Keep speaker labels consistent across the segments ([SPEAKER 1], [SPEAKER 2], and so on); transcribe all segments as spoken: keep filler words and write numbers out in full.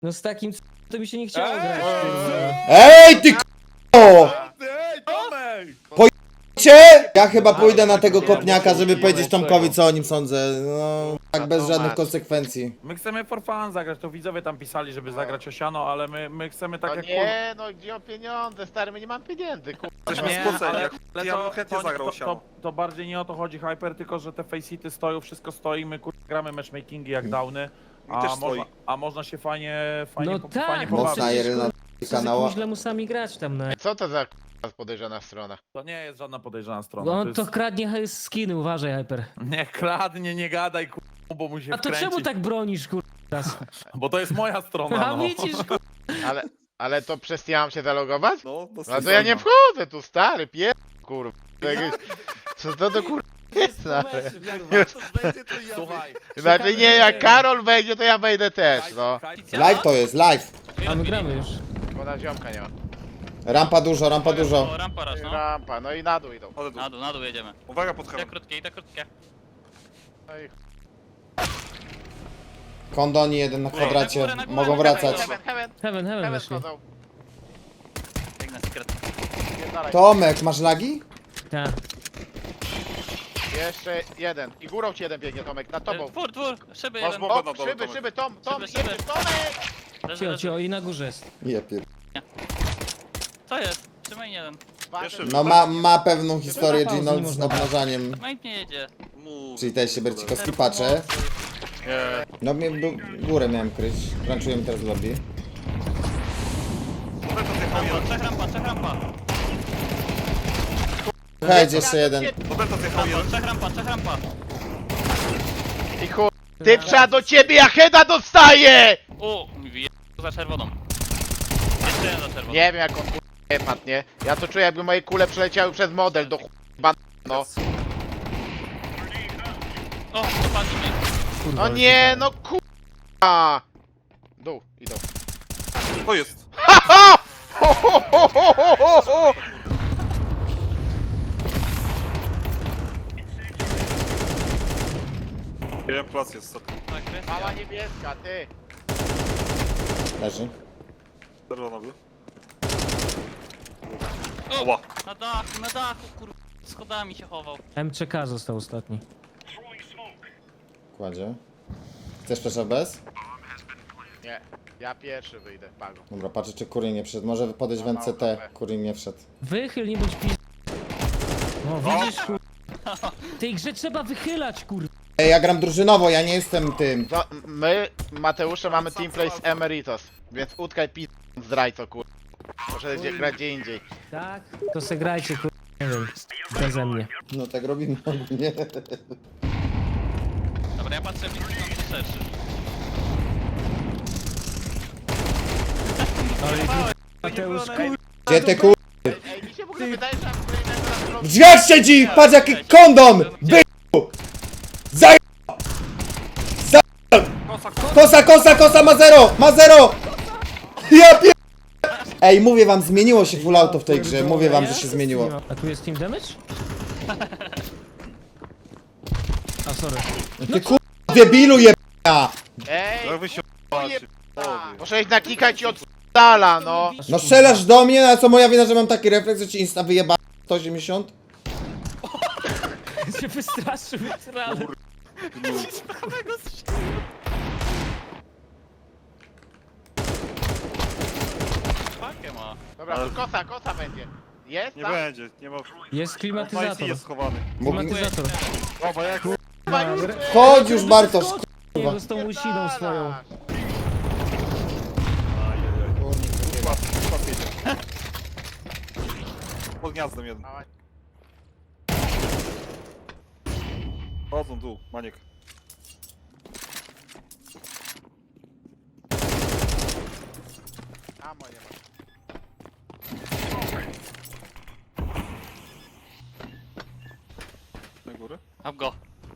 [SPEAKER 1] No z takim c- to mi się nie chciało
[SPEAKER 2] Ej!
[SPEAKER 1] grać. kurwa.
[SPEAKER 3] Ej, ty k***o!
[SPEAKER 2] Ej, Tomek!
[SPEAKER 3] Cie? Ja chyba pójdę na tego kopniaka, żeby powiedzieć Tomkowi, co o nim sądzę. No, tak bez żadnych konsekwencji.
[SPEAKER 2] My chcemy for fun zagrać, to widzowie tam pisali, żeby zagrać Osiano, ale my, my chcemy tak
[SPEAKER 4] No
[SPEAKER 2] jak
[SPEAKER 4] nie, no gdzie o pieniądze, stary, my nie mamy pieniędzy, kurwa.
[SPEAKER 2] Jesteśmy
[SPEAKER 5] Nie,
[SPEAKER 2] skłóceni,
[SPEAKER 5] ale-
[SPEAKER 2] jak
[SPEAKER 5] ale
[SPEAKER 2] ja
[SPEAKER 5] to-
[SPEAKER 2] bym chętnie
[SPEAKER 5] to-
[SPEAKER 2] zagrał
[SPEAKER 5] to-
[SPEAKER 2] Osiano. To, to bardziej nie o to chodzi Hyper, tylko że te facehity stoją, wszystko stoi, my kur... gramy matchmakingi jak downy, a,
[SPEAKER 5] też
[SPEAKER 2] można,
[SPEAKER 5] stoi.
[SPEAKER 2] a można się fajnie, fajnie,
[SPEAKER 1] No
[SPEAKER 2] po,
[SPEAKER 1] tak,
[SPEAKER 2] fajnie
[SPEAKER 1] no
[SPEAKER 2] pobawić.
[SPEAKER 3] Mocna
[SPEAKER 1] przecież,
[SPEAKER 3] Irena
[SPEAKER 1] Co z
[SPEAKER 3] kanała.
[SPEAKER 1] jakimiś lamusami grać tam na...
[SPEAKER 4] Co to za kurwa podejrzana strona?
[SPEAKER 2] To nie jest żadna podejrzana strona.
[SPEAKER 1] Bo
[SPEAKER 2] to
[SPEAKER 1] on
[SPEAKER 2] jest...
[SPEAKER 1] to kradnie hy- skiny, uważaj, Hyper.
[SPEAKER 2] Nie kradnie, nie gadaj kur... bo mu się
[SPEAKER 1] A to
[SPEAKER 2] wkręci.
[SPEAKER 1] czemu tak bronisz, kur... teraz?
[SPEAKER 2] Bo to jest moja strona,
[SPEAKER 1] A
[SPEAKER 2] no.
[SPEAKER 1] widzisz, kur...
[SPEAKER 4] Ale, ale to przez ja mam się zalogować?
[SPEAKER 5] No, no,
[SPEAKER 4] No to ja nie wchodzę tu, stary, pier... kurwa. Jakieś- Co to do kurwa jest, stary?
[SPEAKER 2] Słuchaj.
[SPEAKER 4] Znaczy nie, jak Karol wejdzie, to ja wejdę też, no.
[SPEAKER 3] Live to jest, live.
[SPEAKER 1] A my gramy już.
[SPEAKER 4] Bo na ziomka nie ma.
[SPEAKER 3] Rampa dużo, rampa dużo.
[SPEAKER 6] O, rampa raz, no.
[SPEAKER 4] Rampa, no i na dół idą.
[SPEAKER 5] Ale dół.
[SPEAKER 6] Na dół, na dół jedziemy.
[SPEAKER 5] Uwaga pod
[SPEAKER 6] Te
[SPEAKER 5] heaven.
[SPEAKER 6] krótkie, i te krótkie.
[SPEAKER 4] No i
[SPEAKER 3] Kondoni jeden na kwadracie.
[SPEAKER 6] Na górę, na górę,
[SPEAKER 3] Mogą
[SPEAKER 6] na górę.
[SPEAKER 3] wracać.
[SPEAKER 4] heaven, heaven,
[SPEAKER 1] Heaven, heaven
[SPEAKER 4] heaven
[SPEAKER 1] weszli.
[SPEAKER 4] schodzą.
[SPEAKER 6] Biegnę secret.
[SPEAKER 4] Pierdalaj.
[SPEAKER 3] Tomek, masz lagi?
[SPEAKER 1] Tak.
[SPEAKER 4] Jeszcze jeden. I górą ci jeden biegnie, Tomek, nad tobą.
[SPEAKER 6] Dwór, dwór, szyby
[SPEAKER 5] Masz
[SPEAKER 6] jeden.
[SPEAKER 5] bombę.
[SPEAKER 4] O,
[SPEAKER 5] na dole,
[SPEAKER 4] szyby,
[SPEAKER 5] Tomek.
[SPEAKER 4] szyby, Tom, Tom,
[SPEAKER 6] Szyby, szyby.
[SPEAKER 4] jedziesz, Tomek!
[SPEAKER 6] Leży,
[SPEAKER 1] Cio,
[SPEAKER 6] leży.
[SPEAKER 1] cio, i na górze jest.
[SPEAKER 3] Je pier...
[SPEAKER 6] Co jest? Trzymaj jeden.
[SPEAKER 5] Jeszcze
[SPEAKER 3] No ma, ma pewną historię
[SPEAKER 1] Pauzy
[SPEAKER 3] Gino
[SPEAKER 1] nie
[SPEAKER 3] z
[SPEAKER 1] można.
[SPEAKER 3] obnażaniem.
[SPEAKER 6] Main nie jedzie.
[SPEAKER 5] Mów.
[SPEAKER 3] Czyli też się Bercikowski patrzę.
[SPEAKER 5] Nie.
[SPEAKER 3] No mnie b- górę miałem kryć. Crunchujemy teraz lobby.
[SPEAKER 5] Roberto zjechał
[SPEAKER 6] Rampa,
[SPEAKER 5] jeden.
[SPEAKER 6] trzech rampa, trzech rampa.
[SPEAKER 3] Hej, jeszcze jeden.
[SPEAKER 5] Roberto zjechał
[SPEAKER 6] Rampa,
[SPEAKER 5] jeden.
[SPEAKER 6] trzech rampa, trzech rampa.
[SPEAKER 4] I chuj. Ty przed do ciebie, ja heada dostaję!
[SPEAKER 6] U, wie... za czerwoną. Jeszcze jeden za czerwoną.
[SPEAKER 4] Nie wiem jak on kurwa padł, nie? Ja to czuję jakby moje kule przeleciały przez model do chuj, no.
[SPEAKER 6] O, dopadli mnie.
[SPEAKER 1] Kurwa,
[SPEAKER 4] No
[SPEAKER 1] ale
[SPEAKER 4] nie,
[SPEAKER 1] super.
[SPEAKER 4] no kurwa! Dół, idą.
[SPEAKER 5] To jest.
[SPEAKER 4] Ha! Ho, ho, ho, ho, ho, ho, ho!
[SPEAKER 5] Jeden plac jest.
[SPEAKER 6] Tak, jest.
[SPEAKER 4] Mała niebieska, ty!
[SPEAKER 3] Leży.
[SPEAKER 5] Czerwonowy.
[SPEAKER 6] O,
[SPEAKER 5] Ła.
[SPEAKER 6] na dachu, na dachu, kur... Schodami się chował.
[SPEAKER 1] M C K został ostatni.
[SPEAKER 3] Kładzie. Chcesz też bez?
[SPEAKER 4] Nie, ja pierwszy wyjdę, pago.
[SPEAKER 3] Dobra, patrzę czy Kurin nie wszedł. Może podejść w N C T. Kurin nie wszedł.
[SPEAKER 1] Wychyl, nie bądź pi... No widzisz, kur... W tej grze trzeba wychylać, kur...
[SPEAKER 3] Ej, ja gram drużynowo, ja nie jestem tym.
[SPEAKER 4] No, my, Mateusze, mamy teamplay z Emeritos, więc utkaj pi... zdrajco, kur... Proszę gdzie, grać gdzie indziej.
[SPEAKER 1] Tak? To se grajcie, kur... Nie wiem, beze mnie.
[SPEAKER 3] No tak robimy ogólnie.
[SPEAKER 6] Dobra, ja patrzę, blisko na szerszy.
[SPEAKER 1] Mateusz, kur...
[SPEAKER 3] Gdzie te kur...
[SPEAKER 4] Ej, ej, mi się w ogóle wydaje, że ja w której
[SPEAKER 3] W drzwiach siedzi! Patrz jaki kondom! By... Zaj... Zaj... Kosa, kosa, kosa ma zero! Ma zero! Ja pier... Ej, mówię wam, zmieniło się full auto w tej grze. Mówię wam, że się zmieniło.
[SPEAKER 1] A tu jest team damage? A, sorry.
[SPEAKER 3] Ty kur... debilu jebana!
[SPEAKER 4] Ej,
[SPEAKER 5] Jak wy się
[SPEAKER 4] kurwa,
[SPEAKER 5] macie?
[SPEAKER 4] muszę ich naklikać i od dala, no.
[SPEAKER 3] No strzelasz do mnie, no a co moja wina, że mam taki refleks, że ci insta wyjeba sto osiemdziesiąt?
[SPEAKER 1] się wystraszył, realnie.
[SPEAKER 6] Pakę ma.
[SPEAKER 4] Dobra, tu kosa, kosa będzie. Jest
[SPEAKER 5] Nie
[SPEAKER 4] tam?
[SPEAKER 5] będzie, nie ma.
[SPEAKER 1] Jest
[SPEAKER 5] Majsi
[SPEAKER 1] klimatyzator.
[SPEAKER 5] jest schowany.
[SPEAKER 1] Klimatyzator.
[SPEAKER 5] Dobra, jak
[SPEAKER 3] Chodź już Bartosz,
[SPEAKER 1] Nie, z tą łysiną swoją.
[SPEAKER 5] Kurwa, kurwa jedzie. Pod gniazdem jeden. Chodzą dół, Maniek.
[SPEAKER 4] Amo nie ma.
[SPEAKER 5] Na górę.
[SPEAKER 6] Up go.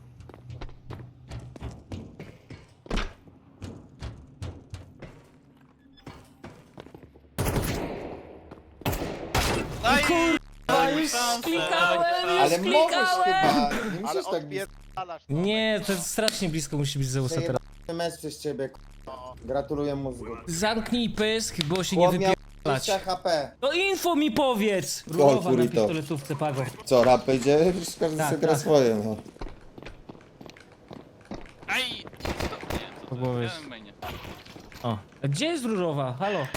[SPEAKER 6] Daj!
[SPEAKER 1] A już klikałem, już
[SPEAKER 3] ale możesz
[SPEAKER 1] klikałem!
[SPEAKER 3] chyba, nie
[SPEAKER 4] Ale
[SPEAKER 3] musisz tak
[SPEAKER 4] odpierdalasz.
[SPEAKER 1] Nie, to jest strasznie blisko musi być Zeusa teraz.
[SPEAKER 3] mecz przez ciebie, k***. Gratuluję mózgu.
[SPEAKER 1] Zamknij pysk, bo się nie
[SPEAKER 3] Chłop miał
[SPEAKER 1] wypierdalać.
[SPEAKER 3] dwadzieścia H P.
[SPEAKER 1] No info mi powiedz! Różowa na
[SPEAKER 3] kurito.
[SPEAKER 1] pistoletówce, Pago.
[SPEAKER 3] Co, rap będzie? Przecież każdy
[SPEAKER 1] Tak,
[SPEAKER 3] sobie gra
[SPEAKER 1] tak.
[SPEAKER 3] swoje, no.
[SPEAKER 6] Aj! Nie,
[SPEAKER 1] To było
[SPEAKER 6] ja
[SPEAKER 1] jest-
[SPEAKER 6] w mainie.
[SPEAKER 1] O. A gdzie jest różowa? Halo?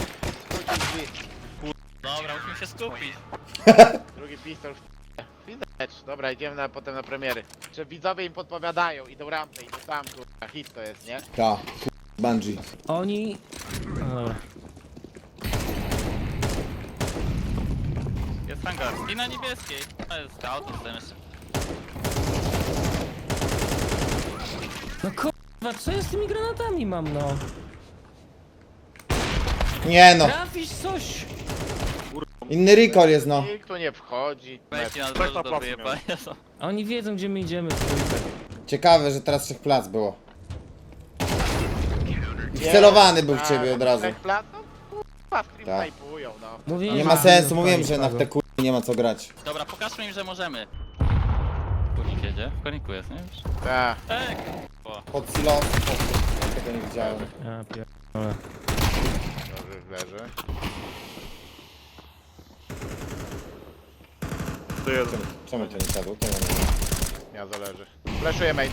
[SPEAKER 6] Dobra, musimy się skupić.
[SPEAKER 4] Drugi pistol w Widać. Dobra, idziemy na, potem na premiery. Czy widzowie im podpowiadają, idą rampę, idą tam, kurwa, hit to jest, nie?
[SPEAKER 3] Ta, Bungie.
[SPEAKER 1] Oni... No dobra.
[SPEAKER 6] Jest hangar. I na niebieskiej. To jest scout, to jest jeszcze.
[SPEAKER 1] No kurwa, co ja z tymi granatami mam, no?
[SPEAKER 3] Nie no,
[SPEAKER 1] Trafisz coś!
[SPEAKER 3] inny recall jest no.
[SPEAKER 4] Nikt tu nie wchodzi.
[SPEAKER 6] Wejdźcie na
[SPEAKER 5] Tak
[SPEAKER 6] dole
[SPEAKER 5] na
[SPEAKER 6] do
[SPEAKER 5] placu
[SPEAKER 6] wyjebania.
[SPEAKER 1] A oni wiedzą, gdzie my idziemy. Trójkę.
[SPEAKER 3] Ciekawe, że teraz trzech plac było. I wcelowany był w ciebie od razu.
[SPEAKER 4] Tak, plat, no kurwa, stream
[SPEAKER 3] Tak.
[SPEAKER 4] snajpują, no.
[SPEAKER 1] Mówię,
[SPEAKER 3] Nie ma sensu, mówiłem, że na te kur... nie ma co grać.
[SPEAKER 6] Dobra, pokażmy im, że możemy. Kurnik jedzie. W koniku jest, nie? Już.
[SPEAKER 4] Tak.
[SPEAKER 6] Tak.
[SPEAKER 3] Pod silos. Tego nie widziałem.
[SPEAKER 1] Ja pier...
[SPEAKER 4] Dobrze, leży.
[SPEAKER 5] To jeden.
[SPEAKER 3] Czemu to nie siadło? To ja nie wiem.
[SPEAKER 4] Ja zależy. Flashuję main.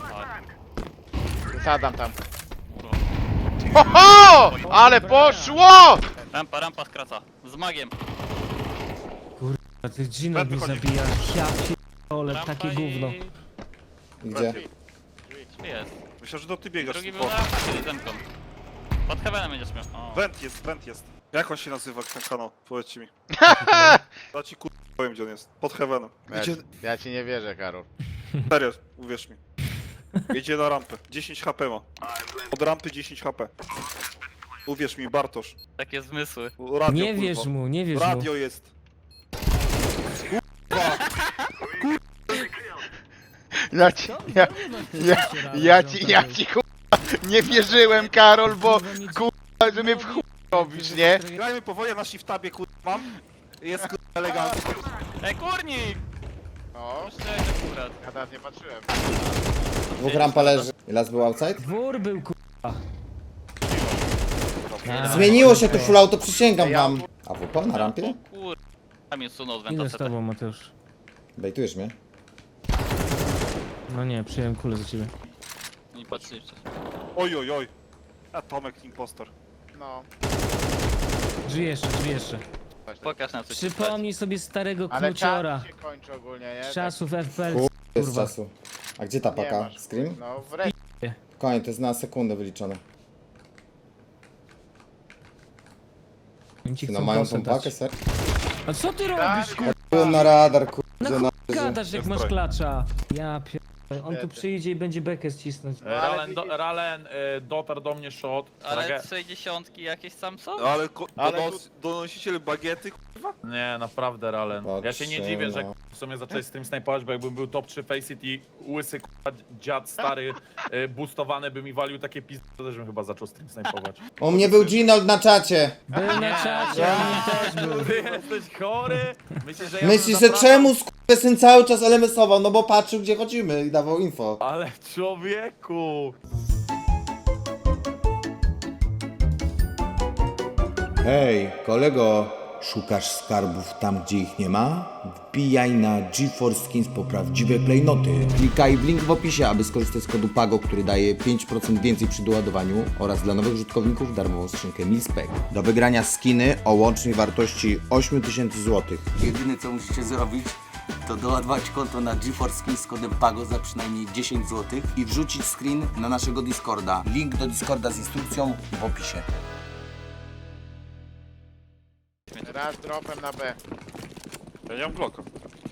[SPEAKER 4] Zadam tam. Ho, ho! Ale poszło!
[SPEAKER 6] Rampa, rampa skraca. Z magiem.
[SPEAKER 1] A ty Gino mi
[SPEAKER 5] wychodzi.
[SPEAKER 1] zabija. Ja pierdolę,
[SPEAKER 6] Rampa
[SPEAKER 1] takie
[SPEAKER 6] i...
[SPEAKER 1] gówno.
[SPEAKER 3] Gdzie?
[SPEAKER 6] Tu jest.
[SPEAKER 5] Myślę, że to ty biegasz.
[SPEAKER 6] Drugi był
[SPEAKER 5] O,
[SPEAKER 6] na rampie z demką. Pod heavenem będziesz miał. O.
[SPEAKER 5] Went jest, went jest. Jak on się nazywa, ten kanał? Powiedzcie mi. Ja ci kur... powiem, gdzie on jest. Pod heavenem.
[SPEAKER 4] Ja,
[SPEAKER 5] Idzie...
[SPEAKER 4] ja ci nie wierzę, Karol.
[SPEAKER 5] Serio, uwierz mi. Idzie na rampę. dziesięć H P ma. Od rampy dziesięć H P. Uwierz mi, Bartosz.
[SPEAKER 6] Takie zmysły.
[SPEAKER 5] Radio,
[SPEAKER 1] Nie
[SPEAKER 5] kurwa.
[SPEAKER 1] wierz mu, nie wierz mu.
[SPEAKER 5] Radio jest.
[SPEAKER 4] Ja ci, ja, ja, ja ci, ja ci kurwa nie wierzyłem, Karol, bo kurwa, że mnie w chuj robisz, nie?
[SPEAKER 5] Grajmy powoli, ja na shiftabie kurwa mam. Jest kurwa elegancko.
[SPEAKER 6] Ej, kurnik!
[SPEAKER 4] O,
[SPEAKER 6] Szczerze akurat.
[SPEAKER 4] ja teraz nie patrzyłem.
[SPEAKER 3] Dwóch rampa leży. I las był outside?
[SPEAKER 1] Dwór był kurwa. A,
[SPEAKER 3] Zmieniło się tu full auto, przysięgam
[SPEAKER 4] Ja-
[SPEAKER 3] wam. A W P na rampie?
[SPEAKER 6] O kur... Tam jest sunął z
[SPEAKER 1] Idę z
[SPEAKER 6] wentaceta.
[SPEAKER 1] tobą, Mateusz.
[SPEAKER 3] Bejtujesz mnie?
[SPEAKER 1] No nie, przyjąłem kulę za ciebie.
[SPEAKER 6] Nie patrzycie.
[SPEAKER 5] Oj, oj, oj. A Tomek impostor.
[SPEAKER 4] No.
[SPEAKER 1] Drzwi jeszcze, drzwi jeszcze.
[SPEAKER 6] Pokaż nam coś.
[SPEAKER 1] Przypomnij sobie starego
[SPEAKER 4] Ale
[SPEAKER 1] knuciora.
[SPEAKER 4] czas się kończy ogólnie, nie?
[SPEAKER 1] Z czasów F P L.
[SPEAKER 3] Kur... jest
[SPEAKER 1] Kurwa.
[SPEAKER 3] czasu. A gdzie ta
[SPEAKER 4] Tak, nie
[SPEAKER 3] paka?
[SPEAKER 4] masz.
[SPEAKER 3] Scream?
[SPEAKER 4] No, wreszcie.
[SPEAKER 3] Koniec, to jest na sekundę wyliczone.
[SPEAKER 1] Oni ci
[SPEAKER 3] No
[SPEAKER 1] chcą
[SPEAKER 3] mają tą
[SPEAKER 1] kosę dać.
[SPEAKER 3] pakę, ser?
[SPEAKER 1] A co ty robisz, kurwa?
[SPEAKER 3] Byłem na radar,
[SPEAKER 1] Na
[SPEAKER 3] kurde,
[SPEAKER 1] chuj
[SPEAKER 3] na
[SPEAKER 1] gadasz, jak
[SPEAKER 5] Jest
[SPEAKER 1] masz
[SPEAKER 5] broń.
[SPEAKER 1] klacza. Ja pier... On tu
[SPEAKER 4] Biedy.
[SPEAKER 1] przyjdzie i będzie bekę ścisnąć.
[SPEAKER 2] E, Ralen, do, Ralen e, dotarł do mnie shot.
[SPEAKER 6] Ale
[SPEAKER 2] Trage-
[SPEAKER 6] sześćdziesiątki jakieś sam są?
[SPEAKER 5] No ale, ko-
[SPEAKER 4] Ale
[SPEAKER 5] donos- donosiciel bagiety
[SPEAKER 2] Nie, naprawdę Ralen. Ja się nie
[SPEAKER 3] Patrzę,
[SPEAKER 2] dziwię, że
[SPEAKER 3] no.
[SPEAKER 2] w sumie zacząłeś z tym snajpować, bo jakbym był top trzy Faceit i łysy k***a, dziad stary e, boostowany by mi walił takie pizdy, to też bym chyba zaczął stream snajpować.
[SPEAKER 3] U mnie był Ginold na czacie.
[SPEAKER 1] Był na czacie, on też był.
[SPEAKER 2] Ty jesteś chory? Myślisz, że ja
[SPEAKER 3] Myślisz,
[SPEAKER 2] bym
[SPEAKER 3] że
[SPEAKER 2] zapraszał-
[SPEAKER 3] czemu syn cały czas L M S-ował? No bo patrzył, gdzie chodzimy i dawał info.
[SPEAKER 2] Ale człowieku!
[SPEAKER 3] Hej, kolego, szukasz skarbów tam, gdzie ich nie ma? Wbijaj na GeForce Skins po prawdziwe klejnoty. Klikaj w link w opisie, aby skorzystać z kodu PAGO, który daje pięć procent więcej przy doładowaniu oraz dla nowych użytkowników darmową skrzynkę Milspec. Do wygrania skiny o łącznej wartości osiem tysięcy złotych.
[SPEAKER 7] Jedyne co musicie zrobić, to doładować konto na GeForce Skin z kodem PAGO za przynajmniej dziesięć złotych i wrzucić screen na naszego Discorda. Link do Discorda z instrukcją w opisie.
[SPEAKER 4] Raz dropem na B.
[SPEAKER 5] Ja nie mam Glocka.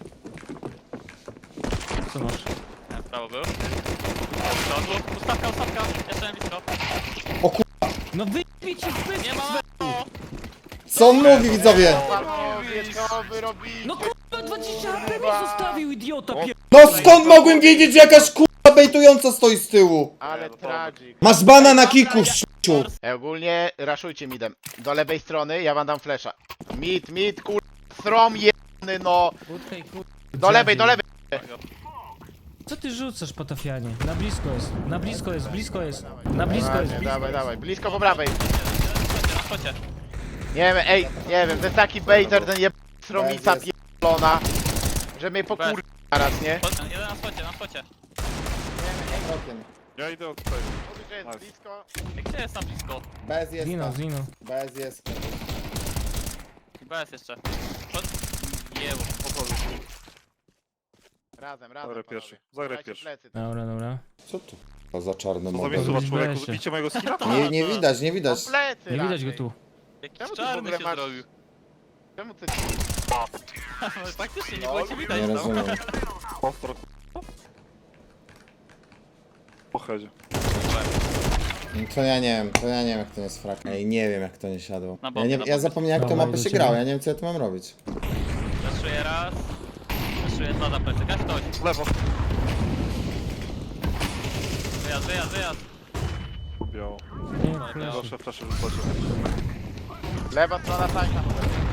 [SPEAKER 1] Co masz?
[SPEAKER 6] Nie, prawo był. Przodu. Ustawka, ustawka. Jeszcze na blisko.
[SPEAKER 1] No wyjmij ci w pysk!
[SPEAKER 6] Nie ma! O!
[SPEAKER 3] Co on mówi, widzowie?
[SPEAKER 4] Panowie, co wy robicie?
[SPEAKER 1] No kurwa, dwadzieścia A P mi zostawił, idiota pier...
[SPEAKER 3] No skąd mogłem wiedzieć, że jakaś kurwa bejtująca stoi z tyłu?
[SPEAKER 4] Ale tragik.
[SPEAKER 3] Masz bana na kiku, ściu.
[SPEAKER 4] Ej, ogólnie raszujcie midem. Do lewej strony, ja wam dam flesza. Mid, mid, kur... Strom jebany, no.
[SPEAKER 1] Utkaj, kurwa.
[SPEAKER 4] Do lewej, do lewej.
[SPEAKER 1] Co ty rzucasz, Patafianie? Na blisko jest, na blisko jest, blisko jest. Na blisko jest,
[SPEAKER 4] Dawaj,
[SPEAKER 1] blisko
[SPEAKER 4] dawaj,
[SPEAKER 1] jest.
[SPEAKER 4] dawaj. Blisko po prawej.
[SPEAKER 6] Na spocie.
[SPEAKER 4] Nie wiem, ej, nie wiem, to jest taki baiter, ten jeb... sromica pierdolona, że mnie pokur... zaraz, nie?
[SPEAKER 6] Spot- Jeden na spocie, na spocie.
[SPEAKER 5] Ja idę od tutaj.
[SPEAKER 4] Mówisz, że jest
[SPEAKER 5] Nice.
[SPEAKER 4] blisko.
[SPEAKER 6] Ej, gdzie jest na blisko?
[SPEAKER 3] Bez jest.
[SPEAKER 1] Zino, zino.
[SPEAKER 3] Bez jest.
[SPEAKER 6] Chyba jest jeszcze. Spot... Jeło.
[SPEAKER 5] Pokoju.
[SPEAKER 4] Razem, razem,
[SPEAKER 5] Zagraj
[SPEAKER 4] panowie.
[SPEAKER 5] pierwszy, zagraj
[SPEAKER 4] Dajcie
[SPEAKER 5] pierwszy.
[SPEAKER 4] plecy.
[SPEAKER 1] Dobra, dobra.
[SPEAKER 3] Co tu? To za czarny
[SPEAKER 5] Co za
[SPEAKER 3] model.
[SPEAKER 5] miejscowa
[SPEAKER 1] Robić
[SPEAKER 5] człowieku?
[SPEAKER 1] besie.
[SPEAKER 5] Widzicie mojego skina?
[SPEAKER 3] Nie, nie widać, nie widać.
[SPEAKER 4] No plecy
[SPEAKER 1] Nie widać go
[SPEAKER 4] raczej.
[SPEAKER 1] tu.
[SPEAKER 6] Jakiś
[SPEAKER 4] Czemu ty w
[SPEAKER 6] czarny
[SPEAKER 4] ogóle
[SPEAKER 6] się
[SPEAKER 4] masz-
[SPEAKER 6] zrobił.
[SPEAKER 4] Czemu ty...
[SPEAKER 6] Faktycznie nie
[SPEAKER 4] No,
[SPEAKER 6] było cię widać
[SPEAKER 3] Nie
[SPEAKER 6] tam.
[SPEAKER 3] rozumiem.
[SPEAKER 5] Ostro. Po headzie.
[SPEAKER 3] To ja nie wiem, to ja nie wiem jak to nie jest frak. Ej, nie wiem jak to nie siadło.
[SPEAKER 6] Na
[SPEAKER 3] Ja,
[SPEAKER 6] bombie,
[SPEAKER 3] nie,
[SPEAKER 6] na
[SPEAKER 3] ja
[SPEAKER 6] bombie.
[SPEAKER 3] zapomniałem jak to
[SPEAKER 1] Dobra,
[SPEAKER 3] mapę
[SPEAKER 1] idę
[SPEAKER 3] się
[SPEAKER 1] ciebie.
[SPEAKER 3] grało, ja nie wiem co ja tu mam robić.
[SPEAKER 6] Zaszuję raz. Zaszuję dwa za plecy. Gaś ktoś.
[SPEAKER 5] Lewo.
[SPEAKER 6] Wyjazd, wyjazd, wyjazd.
[SPEAKER 5] Biało.
[SPEAKER 1] Nie,
[SPEAKER 6] Dobra.
[SPEAKER 1] proszę.
[SPEAKER 5] Proszę, proszę, wypłacie.
[SPEAKER 4] Lewa strona tańca.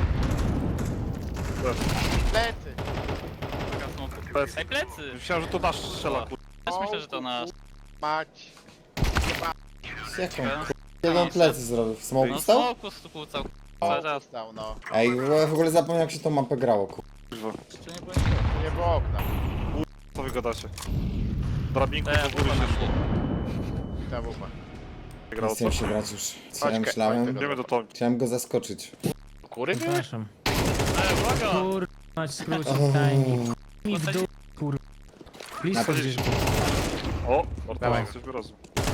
[SPEAKER 5] Lewo.
[SPEAKER 4] Plecy.
[SPEAKER 6] Taka smoku.
[SPEAKER 5] Plecy.
[SPEAKER 6] Ej, plecy!
[SPEAKER 5] Myślałem, że to nasz strzela, kur...
[SPEAKER 6] Też myślę, że to nasz.
[SPEAKER 4] Mać.
[SPEAKER 3] Jaką
[SPEAKER 6] No,
[SPEAKER 3] jeden plecy zrobił? W smoke
[SPEAKER 6] No
[SPEAKER 3] stał?
[SPEAKER 6] smoku skłócał. Cały czas.
[SPEAKER 4] Stał, no.
[SPEAKER 3] Ej, w ogóle zapomniałem jak się tą mapę grało, kur...
[SPEAKER 5] Kurwa.
[SPEAKER 6] Czy nie było nikogo?
[SPEAKER 4] Tu nie było okna.
[SPEAKER 5] Co wy gadacie? Drabinku
[SPEAKER 6] To ja
[SPEAKER 5] do góry
[SPEAKER 6] wypadam.
[SPEAKER 5] się szło.
[SPEAKER 4] Ta wupa.
[SPEAKER 5] Grało
[SPEAKER 3] Nie
[SPEAKER 5] co?
[SPEAKER 3] chcę się grać już. Co ja
[SPEAKER 4] Chodź,
[SPEAKER 3] myślałem?
[SPEAKER 4] chodź,
[SPEAKER 5] Idziemy do Tomi.
[SPEAKER 3] Chciałem go zaskoczyć.
[SPEAKER 4] Kury były?
[SPEAKER 1] Przepraszam.
[SPEAKER 6] Ej, uwaga!
[SPEAKER 1] Kur... Mać skrócić timing. I w dół, kur... Blisko
[SPEAKER 3] Na-
[SPEAKER 1] gdzieś.
[SPEAKER 5] O!
[SPEAKER 4] Dawaj.
[SPEAKER 5] Ortowa, coś wyrazu.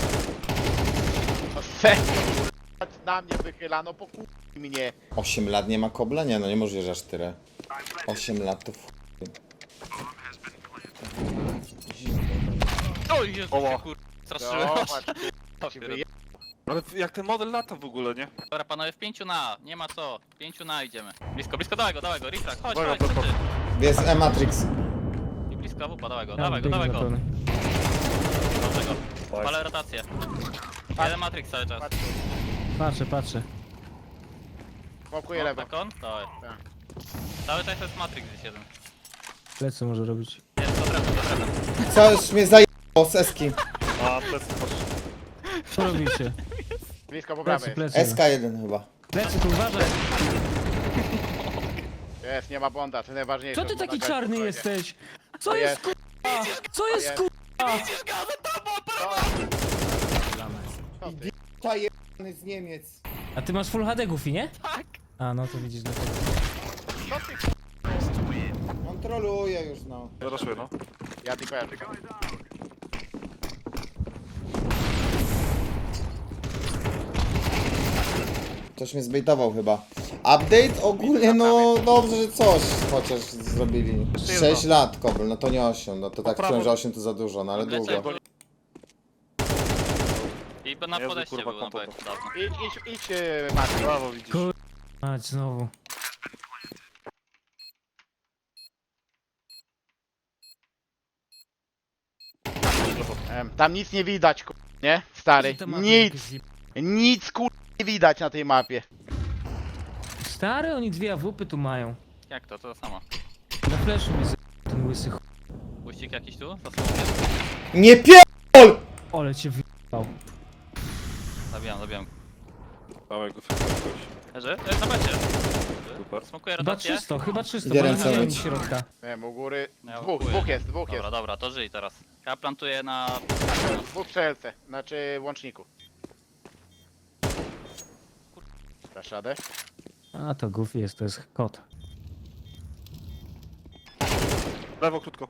[SPEAKER 4] No serio. Na mnie wychylano, po kur... mnie.
[SPEAKER 3] osiem lat nie ma kobla? Nie no, nie możesz że aż tyle. osiem lat to w...
[SPEAKER 6] O Jezu,
[SPEAKER 5] Oła.
[SPEAKER 6] się kur... Straszyłem.
[SPEAKER 4] Zobacz,
[SPEAKER 6] Ja
[SPEAKER 4] się
[SPEAKER 6] pierdolę.
[SPEAKER 4] wyje...
[SPEAKER 5] Ale jak ten model lata w ogóle, nie?
[SPEAKER 6] Dobra panowie, w pięciu na, nie ma co. W pięciu na idziemy. Blisko, blisko, dawaj go, dawaj go, refrag, chodź,
[SPEAKER 5] Uwaga,
[SPEAKER 6] chodź,
[SPEAKER 5] Pepo.
[SPEAKER 6] chodź.
[SPEAKER 3] Jest E-Matrix.
[SPEAKER 6] I blisko, wupa, dawaj go,
[SPEAKER 1] Ja
[SPEAKER 6] dawaj go,
[SPEAKER 1] biegnę
[SPEAKER 6] dawaj
[SPEAKER 1] na
[SPEAKER 6] go.
[SPEAKER 1] pełny.
[SPEAKER 6] Dobrze go.
[SPEAKER 5] Tak.
[SPEAKER 6] Palę rotację. Jeden Matrix cały czas.
[SPEAKER 4] Patrz,
[SPEAKER 1] Patrzę, patrzę.
[SPEAKER 4] smokuję lewo.
[SPEAKER 6] Bekon? Dawaj.
[SPEAKER 4] Tak.
[SPEAKER 6] Cały czas jest Matrix gdzieś jeden.
[SPEAKER 1] Plecy może robić.
[SPEAKER 6] Jest, dobra, dobra.
[SPEAKER 3] Co już mnie zajebało z Eski.
[SPEAKER 5] A, plecy, patrz.
[SPEAKER 1] Co robicie?
[SPEAKER 4] Blisko po
[SPEAKER 1] Plecy,
[SPEAKER 4] prawej.
[SPEAKER 1] plecy.
[SPEAKER 3] S K jeden chyba.
[SPEAKER 1] Plecy, tu uważaj.
[SPEAKER 4] Jest, nie ma bonda, to najważniejsze.
[SPEAKER 1] Co ty
[SPEAKER 4] Bonda
[SPEAKER 1] taki
[SPEAKER 4] grać
[SPEAKER 1] czarny
[SPEAKER 4] spokojnie.
[SPEAKER 1] jesteś? Co
[SPEAKER 4] To
[SPEAKER 1] jest
[SPEAKER 4] jest.
[SPEAKER 1] kurwa? Co jest
[SPEAKER 4] jest.
[SPEAKER 1] kurwa?
[SPEAKER 4] Co ty?
[SPEAKER 3] Ta jebany z Niemiec.
[SPEAKER 1] A ty masz full H D Goofy, nie? Tak. A no to widzisz dlatego.
[SPEAKER 4] Co ty?
[SPEAKER 3] Kontroluję już no.
[SPEAKER 5] Zaraszuję, no.
[SPEAKER 4] Ja tylko, ja tylko.
[SPEAKER 3] Ktoś mnie zbejtował chyba. Update? Ogólnie no dobrze, że coś chociaż zrobili. sześć lat kobel, no to nie osiem, no to tak
[SPEAKER 5] prawo.
[SPEAKER 3] czułem, że osiem to za dużo, no ale
[SPEAKER 6] Lecę.
[SPEAKER 3] długo.
[SPEAKER 6] I na
[SPEAKER 5] Jezu,
[SPEAKER 6] podejście
[SPEAKER 5] kurwa,
[SPEAKER 6] był na
[SPEAKER 5] kompoto.
[SPEAKER 6] bek, dawno.
[SPEAKER 4] Idź, idź, idź, yy, Maciej.
[SPEAKER 5] Brawo, widzisz.
[SPEAKER 1] Kur... Mać znowu.
[SPEAKER 4] Em, Tam nic nie widać, kur... nie? Stary,
[SPEAKER 1] Te mapy
[SPEAKER 4] nic,
[SPEAKER 1] jakieś zjeb-
[SPEAKER 4] nic kur... nie widać na tej mapie.
[SPEAKER 1] Stary, oni dwie A W P tu mają.
[SPEAKER 6] Jak to? To samo.
[SPEAKER 1] Na flashu mi z... ten łysy ch...
[SPEAKER 6] Puścik jakiś tu? Za smokiem.
[SPEAKER 3] Nie pierdol!
[SPEAKER 1] Ole cię wyjebał.
[SPEAKER 6] Zabijam, zabijam.
[SPEAKER 5] Dawaj go, jakoś.
[SPEAKER 6] Leży? Ej, zobaczcie.
[SPEAKER 5] Super.
[SPEAKER 6] Smokuję
[SPEAKER 1] Chyba
[SPEAKER 6] rotację.
[SPEAKER 1] czysto, chyba czysto,
[SPEAKER 3] Idę
[SPEAKER 1] bo nie
[SPEAKER 3] ręce
[SPEAKER 1] widziałem
[SPEAKER 3] myć.
[SPEAKER 1] środka.
[SPEAKER 4] Nie wiem, u góry.
[SPEAKER 6] Ja
[SPEAKER 4] Dwóch,
[SPEAKER 6] łapuję.
[SPEAKER 4] dwóch jest, dwóch jest.
[SPEAKER 6] Dobra, dobra, to żyj teraz. Ja plantuję na...
[SPEAKER 4] Dwóch przelce, znaczy łączniku. Dasz radę?
[SPEAKER 1] A to Goofy jest, to jest kot.
[SPEAKER 5] Lewo, krótko.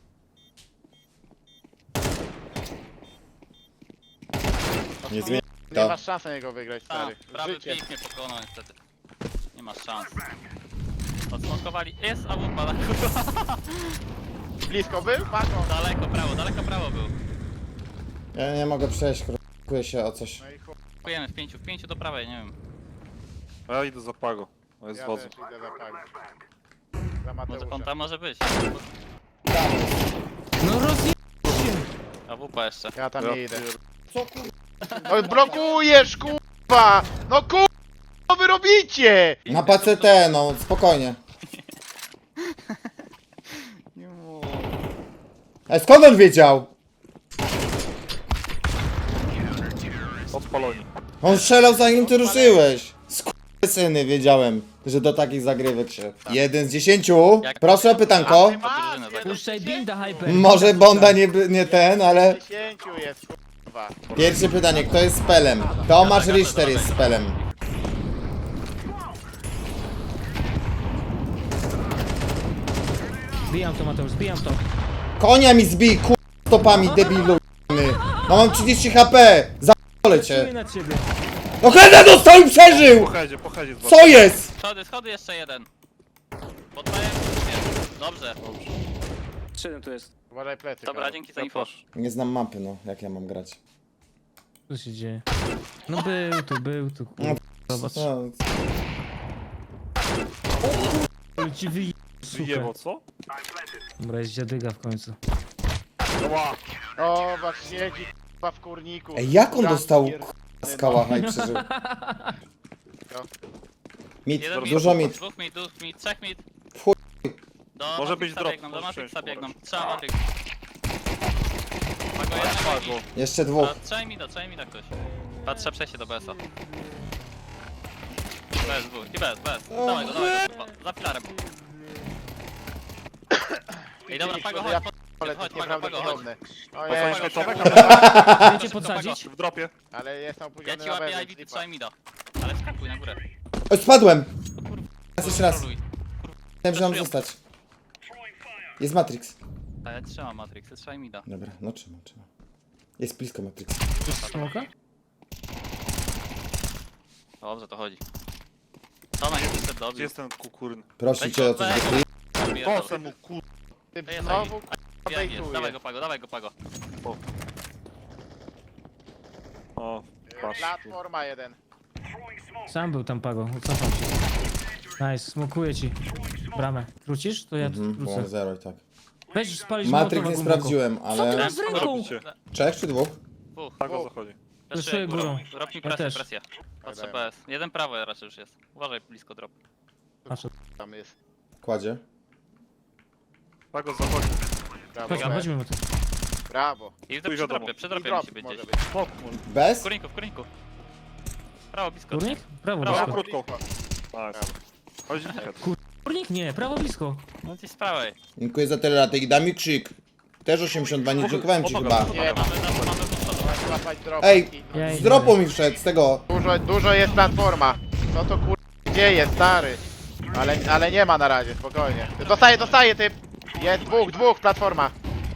[SPEAKER 3] Nie zmienia
[SPEAKER 4] Nie
[SPEAKER 3] to.
[SPEAKER 4] masz szansy na niego wygrać,
[SPEAKER 6] A,
[SPEAKER 4] stary.
[SPEAKER 6] prawy
[SPEAKER 4] Życie.
[SPEAKER 6] pik mnie pokonał niestety. Nie masz szans. Odsmokowali. Jest A W P, kurwa.
[SPEAKER 4] Blisko był? Patrz.
[SPEAKER 6] Daleko prawo, daleko prawo był.
[SPEAKER 3] Ja nie mogę przejść, kupuję się o coś.
[SPEAKER 4] No i chuj,
[SPEAKER 6] Kupujemy w pięciu, w pięciu do prawej, nie wiem.
[SPEAKER 5] A ja idę za Pago. On jest
[SPEAKER 4] ja
[SPEAKER 5] z wozu.
[SPEAKER 4] też idę za Pago. Za
[SPEAKER 6] Może on
[SPEAKER 4] Mateusza.
[SPEAKER 6] tam może być.
[SPEAKER 1] No rozje...
[SPEAKER 6] A W P jeszcze.
[SPEAKER 4] Ja tam
[SPEAKER 5] Ja
[SPEAKER 4] nie idę.
[SPEAKER 5] pier-
[SPEAKER 3] Co kur...
[SPEAKER 4] No blokujesz, kurwa! No kurwa, co wy robicie?
[SPEAKER 3] Na P C T, no spokojnie. A skąd on wiedział?
[SPEAKER 5] Odpaloni.
[SPEAKER 3] On strzelał zanim ty ruszyłeś. Syny, wiedziałem, że do takich zagrywek się. Jeden z dziesięciu.
[SPEAKER 6] Jak-
[SPEAKER 3] Proszę o pytanko.
[SPEAKER 6] drużynę zagrać.
[SPEAKER 1] Puszczaj binda, hyper.
[SPEAKER 3] Może Bonda nie, by- nie ten, ale...
[SPEAKER 4] dziesięciu jest, kurwa.
[SPEAKER 3] Pierwsze pytanie, kto jest spelem? Tomasz Richter jest spelem.
[SPEAKER 1] Zbijam to, Mateusz, zbijam to.
[SPEAKER 3] Konia mi zbij, kur... stopami, debilu. No mam trzydzieści HP. Za***le
[SPEAKER 1] Czuję
[SPEAKER 3] cię.
[SPEAKER 1] na ciebie.
[SPEAKER 3] No Heda dostał i przeżył!
[SPEAKER 5] Po headzie, po headzie dwa.
[SPEAKER 3] Co jest?
[SPEAKER 6] Schody, schody jeszcze jeden. Poddaję. Dobrze.
[SPEAKER 1] Siedem tu jest.
[SPEAKER 4] Uważaj plecy.
[SPEAKER 6] Dobra,
[SPEAKER 4] Karol.
[SPEAKER 6] dzięki za info.
[SPEAKER 3] Nie znam mapy, no. Jak ja mam grać?
[SPEAKER 1] Co się dzieje? No był tu, był tu. kurwa. Zobacz.
[SPEAKER 3] No,
[SPEAKER 1] Ale ci wyje...
[SPEAKER 5] Wyjebał, co?
[SPEAKER 1] Dobra, jest dziadyga w końcu.
[SPEAKER 5] Ła.
[SPEAKER 4] O, was siedzi, kurwa, w kurniku.
[SPEAKER 3] Ej, jak on
[SPEAKER 4] Ran
[SPEAKER 3] dostał
[SPEAKER 4] pier-
[SPEAKER 3] z kałacha i przeżył? Mit,
[SPEAKER 6] Jeden mit,
[SPEAKER 3] dużo mit.
[SPEAKER 6] dwóch mit, dwóch mit, trzech mit.
[SPEAKER 3] W chuj.
[SPEAKER 6] Do
[SPEAKER 5] Może
[SPEAKER 6] Matrixa
[SPEAKER 5] być drop,
[SPEAKER 6] biegną, do
[SPEAKER 5] może
[SPEAKER 6] Matrixa
[SPEAKER 5] przejść,
[SPEAKER 6] biegną.
[SPEAKER 5] pomarańcz.
[SPEAKER 6] Trzeba Matrix. Pago jednego
[SPEAKER 5] Padło.
[SPEAKER 6] i...
[SPEAKER 3] Jeszcze dwóch.
[SPEAKER 6] A, Trzymaj mi da, trzymaj mi da ktoś. Patrzę przejście do B S a. B S dwóch i B S, B S. Dawaj go, dawaj go, kurwa. Za filarem. Ej, dobra, Pago,
[SPEAKER 4] Ja
[SPEAKER 6] chodź,
[SPEAKER 4] Ale
[SPEAKER 6] chodź,
[SPEAKER 4] to
[SPEAKER 6] Pago, Pago, chodź.
[SPEAKER 4] nieprawdopodobne. O
[SPEAKER 5] Pago,
[SPEAKER 4] nie,
[SPEAKER 5] chodź, Tomek,
[SPEAKER 1] Chcecie podsadzić?
[SPEAKER 5] w dropie.
[SPEAKER 4] ale jestem
[SPEAKER 6] Ja
[SPEAKER 4] opóźniony
[SPEAKER 6] ci
[SPEAKER 4] na
[SPEAKER 6] łapię I
[SPEAKER 4] wewnątrz,
[SPEAKER 6] B, ty
[SPEAKER 4] lipa.
[SPEAKER 6] trzymaj mi da. Ale skakuj na górę.
[SPEAKER 3] O, spadłem! Raz jeszcze raz.
[SPEAKER 6] Kontroluj.
[SPEAKER 3] Chciałem, że mam zostać. Jest Matrix.
[SPEAKER 6] A ja trzymam Matrix, ty trzymaj mi da.
[SPEAKER 3] Dobra, no trzymam, trzymam. Jest blisko Matrix.
[SPEAKER 1] Smoka?
[SPEAKER 6] Dobrze, to chodzi. To na jest
[SPEAKER 5] Gdzie
[SPEAKER 6] dobrze.
[SPEAKER 5] jest ten kukuryn?
[SPEAKER 3] Proszę cię o coś wytryj.
[SPEAKER 5] Kosem mu kur...
[SPEAKER 4] Ty
[SPEAKER 6] Ej,
[SPEAKER 4] znowu,
[SPEAKER 6] Ja nie, dawaj
[SPEAKER 4] bejtuje.
[SPEAKER 6] go Pago, dawaj go Pago.
[SPEAKER 5] O, patrz.
[SPEAKER 4] Platforma jeden.
[SPEAKER 1] Sam był tam Pago, cofam się. Nice, smokuję ci. Bramę. Wrócisz? To ja tu
[SPEAKER 3] Mhm, było
[SPEAKER 1] wrócę.
[SPEAKER 3] zero i tak.
[SPEAKER 1] Weź spalić
[SPEAKER 3] Matrix
[SPEAKER 1] Mołotowa
[SPEAKER 3] nie
[SPEAKER 1] głęboko.
[SPEAKER 3] sprawdziłem,
[SPEAKER 1] Co ty
[SPEAKER 3] ale...
[SPEAKER 1] masz z ręką?
[SPEAKER 5] Robicie.
[SPEAKER 3] Trzech czy dwóch?
[SPEAKER 6] Dwóch.
[SPEAKER 5] Pago zachodzi.
[SPEAKER 1] Zeszuję górą.
[SPEAKER 6] Rob mi
[SPEAKER 1] Ja
[SPEAKER 6] presję,
[SPEAKER 1] też.
[SPEAKER 6] presję. Patrzę
[SPEAKER 4] Dajemy.
[SPEAKER 6] B S. Jeden prawo raczej już jest. Uważaj blisko drop.
[SPEAKER 1] Patrzę.
[SPEAKER 4] Tam jest.
[SPEAKER 3] Kładzie.
[SPEAKER 5] Pago zachodzi.
[SPEAKER 4] Brawo,
[SPEAKER 1] Chodź,
[SPEAKER 4] brawo.
[SPEAKER 1] chodźmy mu tu.
[SPEAKER 4] Brawo.
[SPEAKER 6] I
[SPEAKER 5] Chuj
[SPEAKER 6] przy
[SPEAKER 5] wiadomo.
[SPEAKER 6] dropie, przy
[SPEAKER 4] I
[SPEAKER 6] dropie
[SPEAKER 4] drop
[SPEAKER 6] musi być
[SPEAKER 4] może
[SPEAKER 6] gdzieś.
[SPEAKER 4] być.
[SPEAKER 5] Smok.
[SPEAKER 6] W
[SPEAKER 3] Bez?
[SPEAKER 6] kurniku, w kurniku. Prawo blisko.
[SPEAKER 1] Kurnik? Prawo
[SPEAKER 6] Prawo.
[SPEAKER 1] blisko.
[SPEAKER 5] Krótko. Tak. Chodzi head.
[SPEAKER 1] Kurnik? Nie, prawo blisko.
[SPEAKER 6] No ci z prawej.
[SPEAKER 3] Dziękuję za tyle latek. Daj mi krzyk. Też osiemdziesiąt dwa, nie dziękowałem ci chyba.
[SPEAKER 4] Nie,
[SPEAKER 6] Mamy, mamy, mamy do przodu.
[SPEAKER 4] łapać drop.
[SPEAKER 3] Ej,
[SPEAKER 1] Ja
[SPEAKER 3] Z
[SPEAKER 1] idę.
[SPEAKER 3] dropu mi wszedł, z tego.
[SPEAKER 4] Dużo, dużo jest platforma. Co to kur... dzieje, stary? Ale, ale nie ma na razie, spokojnie. Dostaje, dostaje typ. Jest dwóch, dwóch, platforma.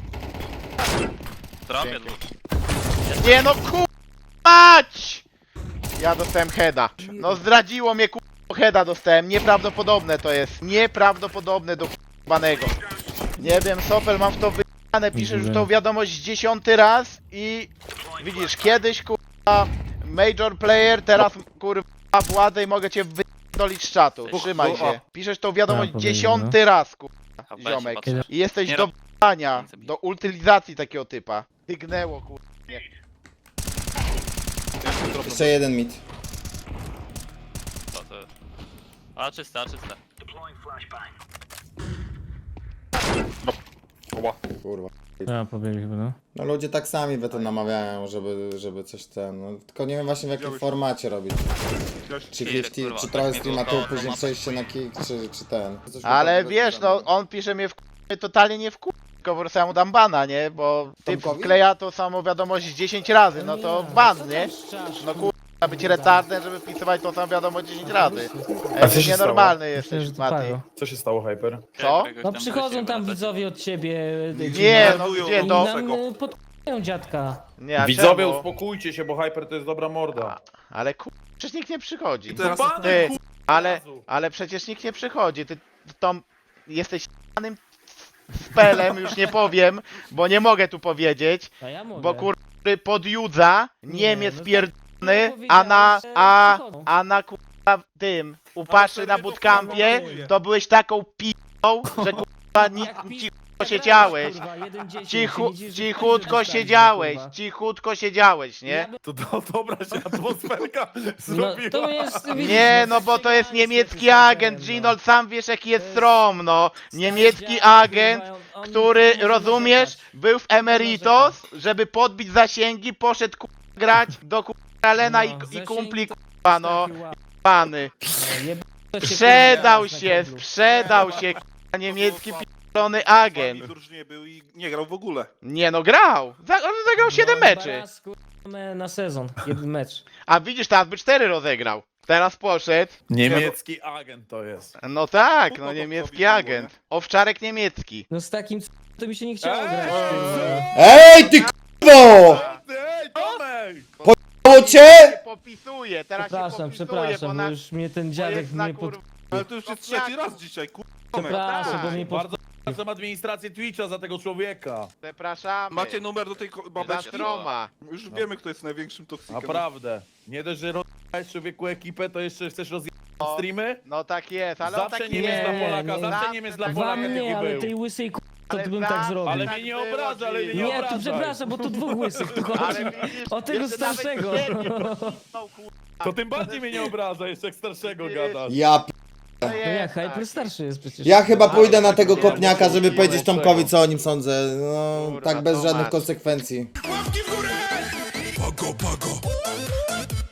[SPEAKER 6] W dropie
[SPEAKER 4] Dzięki.
[SPEAKER 6] dwóch.
[SPEAKER 4] Nie no kur... mać! Ja dostałem heada. No zdradziło mnie kur... heada dostałem. Nieprawdopodobne to jest. Nieprawdopodobne do kurwanego. Nie wiem, Sofel, mam w to wyjane. Piszesz już tą wiadomość dziesiąty raz i... Widzisz, kiedyś kurwa major player, teraz kurwa władzę i mogę cię wydolić z czatu. Trzymaj się. Piszesz tą wiadomość
[SPEAKER 1] Ja powiem,
[SPEAKER 4] dziesiąty raz kurwa,
[SPEAKER 6] A weź,
[SPEAKER 4] ziomek.
[SPEAKER 6] patrzę.
[SPEAKER 4] I jesteś
[SPEAKER 6] Nie
[SPEAKER 4] do
[SPEAKER 6] rob-
[SPEAKER 4] b***ania,
[SPEAKER 6] Więcej.
[SPEAKER 4] do utylizacji takiego typa. Tygnęło kurwa. Nie.
[SPEAKER 3] Jeszcze jeden mit.
[SPEAKER 6] To, to. A czyste, a czyste.
[SPEAKER 5] Ła.
[SPEAKER 3] Kurwa.
[SPEAKER 1] Ja pobiegli chyba, no.
[SPEAKER 3] No ludzie tak sami we to namawiają, żeby, żeby coś ten... No, tylko nie wiem właśnie w jakim
[SPEAKER 5] Widziałeś-
[SPEAKER 3] formacie robić. Czy,
[SPEAKER 6] Kill,
[SPEAKER 3] fifty,
[SPEAKER 6] kurwa,
[SPEAKER 3] czy
[SPEAKER 6] tak
[SPEAKER 3] trochę
[SPEAKER 6] mi
[SPEAKER 3] streamatu,
[SPEAKER 6] było, to-
[SPEAKER 3] później
[SPEAKER 6] to-
[SPEAKER 3] przejście na kick, czy, czy ten. Coś
[SPEAKER 4] Ale
[SPEAKER 3] takiego
[SPEAKER 4] wiesz, no
[SPEAKER 3] zrobiłem.
[SPEAKER 4] on pisze mnie w k***, totalnie nie w k***, tylko po prostu ja mu dam bana, nie? Bo typ
[SPEAKER 3] Tomkowi?
[SPEAKER 4] wkleja to samą wiadomość dziesięć razy, no to ban,
[SPEAKER 1] co
[SPEAKER 4] nie?
[SPEAKER 1] tam szczasz,
[SPEAKER 4] No kurwa, być retardem, żeby wpisywać tą samą wiadomość dziesięć razy.
[SPEAKER 2] A
[SPEAKER 4] Ej,
[SPEAKER 2] co
[SPEAKER 4] ty
[SPEAKER 2] się
[SPEAKER 4] nienormalny
[SPEAKER 1] Myślę,
[SPEAKER 4] jesteś,
[SPEAKER 1] że to
[SPEAKER 4] Mati.
[SPEAKER 1] Pago.
[SPEAKER 2] Co się stało, Hyper?
[SPEAKER 4] Co?
[SPEAKER 6] Kogoś
[SPEAKER 1] No
[SPEAKER 6] tam
[SPEAKER 1] przychodzą
[SPEAKER 6] wróciłem,
[SPEAKER 1] tam
[SPEAKER 6] ale to-
[SPEAKER 1] widzowie od ciebie.
[SPEAKER 4] Nie, no
[SPEAKER 5] Nerwują
[SPEAKER 4] gdzie
[SPEAKER 1] I
[SPEAKER 4] to?
[SPEAKER 1] nam y, podk***ją dziadka.
[SPEAKER 4] Nie, a
[SPEAKER 2] Widzowie,
[SPEAKER 4] czemu?
[SPEAKER 2] uspokójcie się, bo Hyper to jest dobra morda.
[SPEAKER 4] Ale kur... przecież nikt nie przychodzi.
[SPEAKER 5] teraz-
[SPEAKER 4] Ty, ale, ale przecież nikt nie przychodzi. Ty tą jesteś s***anym spelem, już nie powiem, bo nie mogę tu powiedzieć,
[SPEAKER 1] A ja mówię.
[SPEAKER 4] bo kur... podjudza,
[SPEAKER 1] Nie,
[SPEAKER 4] Niemiec
[SPEAKER 1] no to-
[SPEAKER 4] pierdolony,
[SPEAKER 1] no
[SPEAKER 4] a na,
[SPEAKER 1] powiedziałeś, że
[SPEAKER 4] a,
[SPEAKER 1] przychodzą.
[SPEAKER 4] a na kurwa tym, upaszy na bootcampie, to byłeś taką p***ą, że kurwa ni-
[SPEAKER 1] Jak pis-
[SPEAKER 4] cicho siedziałeś.
[SPEAKER 1] Kurwa, jeden dziesięć,
[SPEAKER 4] Cichu,
[SPEAKER 1] widzisz, że
[SPEAKER 4] cichutko
[SPEAKER 1] dostaniesz,
[SPEAKER 4] siedziałeś,
[SPEAKER 1] kurwa.
[SPEAKER 4] cichutko siedziałeś, nie?
[SPEAKER 1] Ja bym-
[SPEAKER 2] To, to dobra się atmosferka
[SPEAKER 1] No,
[SPEAKER 2] zrobiła.
[SPEAKER 1] to jest...
[SPEAKER 4] Nie, no bo to jest niemiecki agent, Ginold, sam wiesz jaki jest strom, no. Niemiecki agent
[SPEAKER 1] on
[SPEAKER 4] który,
[SPEAKER 1] może
[SPEAKER 4] rozumiesz,
[SPEAKER 1] narzekać.
[SPEAKER 4] był w Emeritos, żeby podbić zasięgi, poszedł ku... grać do ku... Alena i,
[SPEAKER 1] No,
[SPEAKER 4] i
[SPEAKER 1] zasięgi
[SPEAKER 4] kumpli
[SPEAKER 1] to
[SPEAKER 4] k***a, no,
[SPEAKER 1] Taki ła-
[SPEAKER 4] pany.
[SPEAKER 1] no, jeb- się
[SPEAKER 4] Sprzedał
[SPEAKER 1] kurwa,
[SPEAKER 4] się,
[SPEAKER 1] na kiblu.
[SPEAKER 4] sprzedał się, k***a, niemiecki p***lony agent.
[SPEAKER 5] Durż nie był i nie grał w ogóle.
[SPEAKER 4] Nie no, grał. Za, on zagrał siedem
[SPEAKER 1] No,
[SPEAKER 4] meczy.
[SPEAKER 1] raz, kurwa, na sezon, jeden mecz.
[SPEAKER 4] A widzisz, teraz by cztery rozegrał. Teraz poszedł.
[SPEAKER 2] Niemiecki agent to jest.
[SPEAKER 4] No tak,
[SPEAKER 5] Trudno
[SPEAKER 4] no
[SPEAKER 5] to
[SPEAKER 4] niemiecki
[SPEAKER 5] zrobić było,
[SPEAKER 4] agent. Owczarek niemiecki.
[SPEAKER 1] No z takim c- to mi się nie chciało
[SPEAKER 2] Eee!
[SPEAKER 1] grać. kurwa.
[SPEAKER 3] Ej, ty k***o!
[SPEAKER 2] Ej, Tomek!
[SPEAKER 3] Mało cię?
[SPEAKER 4] Się popisuje, teraz
[SPEAKER 1] Przepraszam,
[SPEAKER 4] się popisuje,
[SPEAKER 1] przepraszam,
[SPEAKER 4] bo
[SPEAKER 1] bo
[SPEAKER 4] na...
[SPEAKER 1] już mnie ten
[SPEAKER 4] bo
[SPEAKER 1] dziadek
[SPEAKER 4] jest na
[SPEAKER 1] mnie pod...
[SPEAKER 4] kur...
[SPEAKER 5] Ale to już jest trzeci raz dzisiaj, kur...
[SPEAKER 1] Przepraszam,
[SPEAKER 4] tak.
[SPEAKER 1] bo mnie pod...
[SPEAKER 2] Bardzo przepraszam administrację Twitcha za tego człowieka.
[SPEAKER 4] Przepraszamy.
[SPEAKER 5] Macie numer do tej ko-
[SPEAKER 4] Za
[SPEAKER 5] babeczki?
[SPEAKER 4] stroma.
[SPEAKER 5] Już wiemy, kto jest największym toksykiem.
[SPEAKER 2] Naprawdę. Nie dość, że rozjechałeś człowieku ekipę, to jeszcze chcesz rozjechać streamy?
[SPEAKER 4] No tak jest, ale on
[SPEAKER 2] Zawsze
[SPEAKER 4] taki
[SPEAKER 2] Niemiec
[SPEAKER 1] nie,
[SPEAKER 2] dla
[SPEAKER 1] nie,
[SPEAKER 2] Polaka,
[SPEAKER 1] nie.
[SPEAKER 2] zawsze Niemiec dla
[SPEAKER 4] Wam
[SPEAKER 2] Polaka
[SPEAKER 1] Wam nie,
[SPEAKER 2] taki
[SPEAKER 1] ale
[SPEAKER 2] był.
[SPEAKER 1] tej łysej k***, to
[SPEAKER 4] Ale
[SPEAKER 1] ty bym tak
[SPEAKER 4] zawsze
[SPEAKER 1] zrobił.
[SPEAKER 2] Ale
[SPEAKER 4] tak
[SPEAKER 2] mnie nie
[SPEAKER 4] było,
[SPEAKER 2] obraża, ale mnie nie
[SPEAKER 1] Nie, to
[SPEAKER 2] obrażaj.
[SPEAKER 1] przepraszam, bo tu dwóch łysych tu chodzi.
[SPEAKER 4] Ale widzisz,
[SPEAKER 1] O tego
[SPEAKER 4] jeszcze nawet
[SPEAKER 1] starszego.
[SPEAKER 4] ciebie pocisnął, kur-
[SPEAKER 2] To tym bardziej mnie nie obraża, jeszcze jak starszego gadasz.
[SPEAKER 3] Ja p...
[SPEAKER 4] To
[SPEAKER 1] No jak,
[SPEAKER 4] jest
[SPEAKER 1] Hyper
[SPEAKER 4] tak.
[SPEAKER 1] starszy jest przecież.
[SPEAKER 3] Ja chyba pójdę na tego
[SPEAKER 2] Nie,
[SPEAKER 3] kopniaka,
[SPEAKER 2] muszę
[SPEAKER 3] żeby
[SPEAKER 2] użyć
[SPEAKER 3] powiedzieć
[SPEAKER 2] lepszego.
[SPEAKER 3] Tomkowi, co o nim sądzę. No,
[SPEAKER 4] Kurwa,
[SPEAKER 3] tak bez
[SPEAKER 4] Tomasz.
[SPEAKER 3] żadnych konsekwencji.
[SPEAKER 8] Pago, pago.